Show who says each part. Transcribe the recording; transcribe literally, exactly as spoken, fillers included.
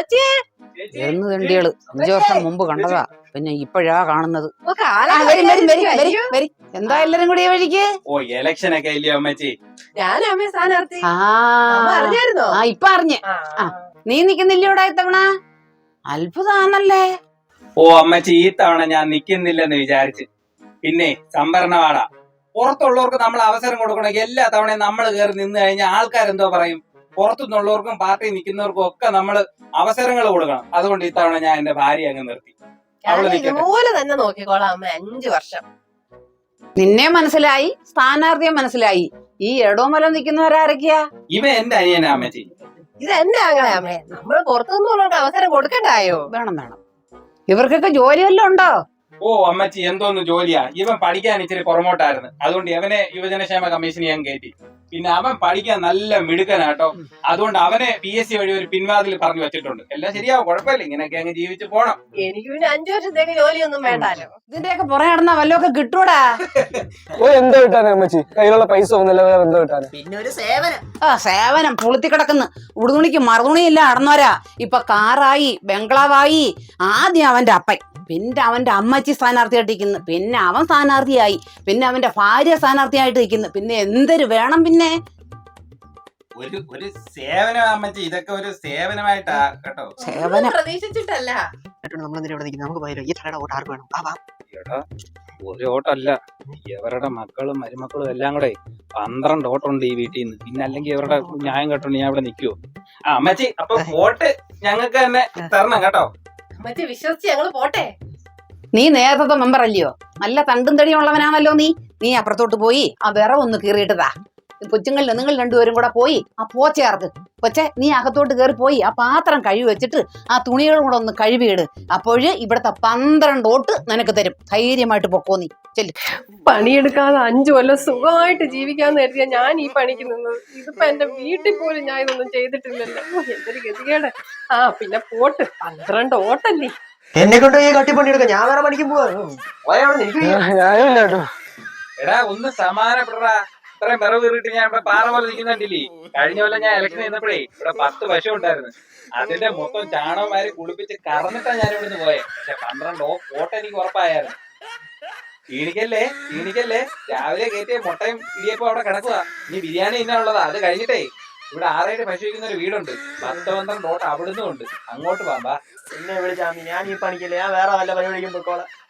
Speaker 1: എന്ന് തണ്ടികള് അഞ്ചു വർഷം മുമ്പ് കണ്ടതാ, പിന്നെ ഇപ്പോഴാ കാണുന്നത്. എന്താ എല്ലാരും കൂടി വഴിക്ക്?
Speaker 2: ഓ ഇലക്ഷൻ ഒക്കെ ഇല്ലയോ അമ്മച്ചി?
Speaker 1: ആ ഇപ്പൊ അറിഞ്ഞ്. നീ നിക്കുന്നില്ലയോടാ ഇത്തവണ? അത്ഭുതാണല്ലേ.
Speaker 2: ഓ അമ്മച്ചി, ഈ തവണ ഞാൻ നിക്കുന്നില്ലെന്ന് വിചാരിച്ച്. പിന്നെ സംവരണവാട പുറത്തുള്ളവർക്ക് നമ്മൾ അവസരം കൊടുക്കണമെങ്കിൽ എല്ലാ തവണയും നമ്മൾ കയറി നിന്ന് കഴിഞ്ഞാൽ ആൾക്കാരെന്തോ പറയും. പുറത്തുനിന്നുള്ളവർക്കും പാർട്ടി നിൽക്കുന്നവർക്കും ഒക്കെ നമ്മൾ അവസരങ്ങൾ കൊടുക്കണം. അതുകൊണ്ട് ഇത്തവണ ഞാൻ എന്റെ ഭാര്യ അങ്ങ് നിർത്തി.
Speaker 3: ഇതുപോലെ തന്നെ നോക്കിക്കോളാം അമ്മ. അഞ്ചു വർഷം
Speaker 1: നിന്നെ മനസ്സിലായി, സ്ഥാനാർത്ഥിയെ മനസ്സിലായി. ഈ എടോമലം നിൽക്കുന്നവരാരൊക്കെയാ?
Speaker 2: ഇവ എന്റെ അനിയനാ അമ്മച്ചി.
Speaker 3: ഇത് എന്റെ ആങ്ങളെ അമ്മേ. നമ്മൾ പുറത്തുനിന്നുള്ളവർക്ക് അവസരം കൊടുക്കണ്ടായോ?
Speaker 1: വേണം വേണം. ഇവർക്കൊക്കെ ജോലി വല്ലതും ഉണ്ടോ?
Speaker 2: ഓ അമ്മച്ചി, എന്തോന്ന് ജോലിയാ. ഇവൻ പഠിക്കാൻ ഇച്ചിരി പുറമോട്ടായിരുന്നു, അതുകൊണ്ട് ഇവനെ യുവജനക്ഷേമ കമ്മീഷൻ ഞാൻ കയറ്റി. പിന്നെ അവൻ പഠിക്കാൻ നല്ല മിടുക്കനാട്ടോ, അതുകൊണ്ട് അവനെ പി എസ് സി വഴി ഒരു പിൻവാതിൽ പറഞ്ഞു വെച്ചിട്ടുണ്ട്. എല്ലാം ശരിയാവും, കുഴപ്പമില്ല. ഇങ്ങനെയൊക്കെ അങ്ങ് ജീവിച്ചു പോണം.
Speaker 3: എനിക്ക് പിന്നെ അഞ്ചു വർഷത്തേക്ക് ജോലിയൊന്നും വേണ്ടാലോ.
Speaker 1: ഇതിന്റെയൊക്കെ പുറകെ നടന്ന വല്ലതൊക്കെ കിട്ടൂടാ.
Speaker 4: ഓ എന്തോ കിട്ടാനാ അമ്മച്ചി? കയ്യിലുള്ള പൈസ ഒന്നുമില്ല, വേറെ എന്തോ കിട്ടാനാ?
Speaker 3: പിന്നെ ഒരു സേവനം.
Speaker 1: ആ സേവനം പുളുത്തി കിടക്കുന്നു. ഉടുതുണിക്ക് മറുതുണിയില്ല നടന്നവരാ. ഇപ്പൊ കാറായി, ബംഗ്ലാവായി. ആദ്യം അവന്റെ അപ്പൻ, പിന്നെ അവന്റെ അമ്മച്ചി സ്ഥാനാർത്ഥിയായിട്ട് നിൽക്കുന്നു, പിന്നെ അവൻ സ്ഥാനാർത്ഥിയായി, പിന്നെ അവന്റെ ഭാര്യ സ്ഥാനാർത്ഥിയായിട്ട് നിൽക്കുന്നു. പിന്നെ എന്തൊരു വേണം? പിന്നെ
Speaker 2: ഒരു ഒരു സേവനം അമ്മച്ചി, ഇതൊക്കെ ഒരു സേവനമായിട്ടാ കേട്ടോ.
Speaker 1: സേവനം
Speaker 3: പ്രതീക്ഷിച്ചിട്ടല്ല.
Speaker 2: ഒരു ഓട്ടല്ല, ഇവരുടെ മക്കളും മരുമക്കളും എല്ലാം കൂടെ പന്ത്രണ്ട് ഓട്ടമുണ്ട് ഈ വീട്ടിൽ നിന്ന്. പിന്നെ അല്ലെങ്കിൽ ഇവരുടെ ന്യായം കേട്ടോണ്ട് ഞാൻ ഇവിടെ നിൽക്കുവോ? ആ അമ്മച്ചി, അപ്പൊ വോട്ട് ഞങ്ങൾക്ക് തന്നെ തരണം കേട്ടോ.
Speaker 3: അമ്മച്ചി വിശ്വസിച്ച് ഞങ്ങള് പോട്ടെ.
Speaker 1: നീ നേരത്തെ മെമ്പർ അല്ലയോ? നല്ല തണ്ടും തടിയും ഉള്ളവനാണല്ലോ നീ. നീ അപ്പുറത്തോട്ട് പോയി ആ വിറ ഒന്ന് കീറിയിട്ടതാ. കൊച്ചുങ്ങളിൽ നിങ്ങൾ രണ്ടുപേരും കൂടെ പോയി ആ പോച്ചയാർക്ക് കൊച്ചെ, നീ അകത്തോട്ട് കയറി പോയി ആ പാത്രം കഴുകി വെച്ചിട്ട് ആ തുണികളും കൂടെ ഒന്ന് കഴുകിയിട്. അപ്പോഴ് ഇവിടത്തെ പന്ത്രണ്ട് ഓട്ട് നിനക്ക് തരും. ധൈര്യമായിട്ട് പൊക്കോ നീ. ചെല്ലു.
Speaker 5: പണിയെടുക്കാതെ അഞ്ചു കൊല്ലം സുഖമായിട്ട് ജീവിക്കാന്ന് കരുതിയാ ഞാൻ ഈ പണിക്ക് നിന്നത്. ഇതിപ്പോ എന്റെ വീട്ടിൽ പോലും ഞാൻ ഇതൊന്നും ചെയ്തിട്ടില്ലല്ലോ. എന്തൊരു ഗതികേട്. ആ പിന്നെ പോട്ട്, പന്ത്രണ്ട് ഓട്ടല്ലേ.
Speaker 6: എന്നെ കൊണ്ട് ഈ കട്ടിപ്പണിയെടുക്കാം. ഞാൻ വേറെ പണിക്കും പോവാ.
Speaker 2: എടാ ഒന്ന് സമാനപ്പെടാ. ഇത്രയും വിറവ് കീറിയിട്ട് ഞാൻ ഇവിടെ പാറ പോലെ നിൽക്കുന്നുണ്ടില്ലേ? കഴിഞ്ഞ കൊല്ലം ഞാൻ ഇലക്ഷൻ ചെയ്യുന്നപ്പോഴേ ഇവിടെ പത്ത് പശു ഉണ്ടായിരുന്നു. അതിന്റെ മൊത്തം ചാണകമാരി കുളിപ്പിച്ച് കറന്നിട്ടാ ഞാൻ ഇവിടുന്ന് പോയെ. പക്ഷെ പന്ത്രണ്ട് ഓട്ടം എനിക്ക് ഉറപ്പായിരുന്നു. ക്ഷീണിക്കല്ലേ ക്ഷീണിക്കല്ലേ രാവിലെ കയറ്റിയ മുട്ടയും ഇടിയപ്പം അവിടെ കിടക്കുക. ഇനി ബിരിയാണി ഇന്നുള്ളതാ. അത് കഴിഞ്ഞിട്ടേ ഇവിടെ ആറേഴ് പശു വയ്ക്കുന്ന ഒരു വീടുണ്ട്. പത്ത് പന്ത്രണ്ട് ഓട്ടം അവിടുന്ന് ഉണ്ട്. അങ്ങോട്ട് പോകാം.
Speaker 6: എന്നെ വിളിച്ചാ ഞാൻ ഈ പണിക്കല്ലേ, ഞാൻ വേറെ വല്ല പരിപാടിക്കും പൊക്കോളാം.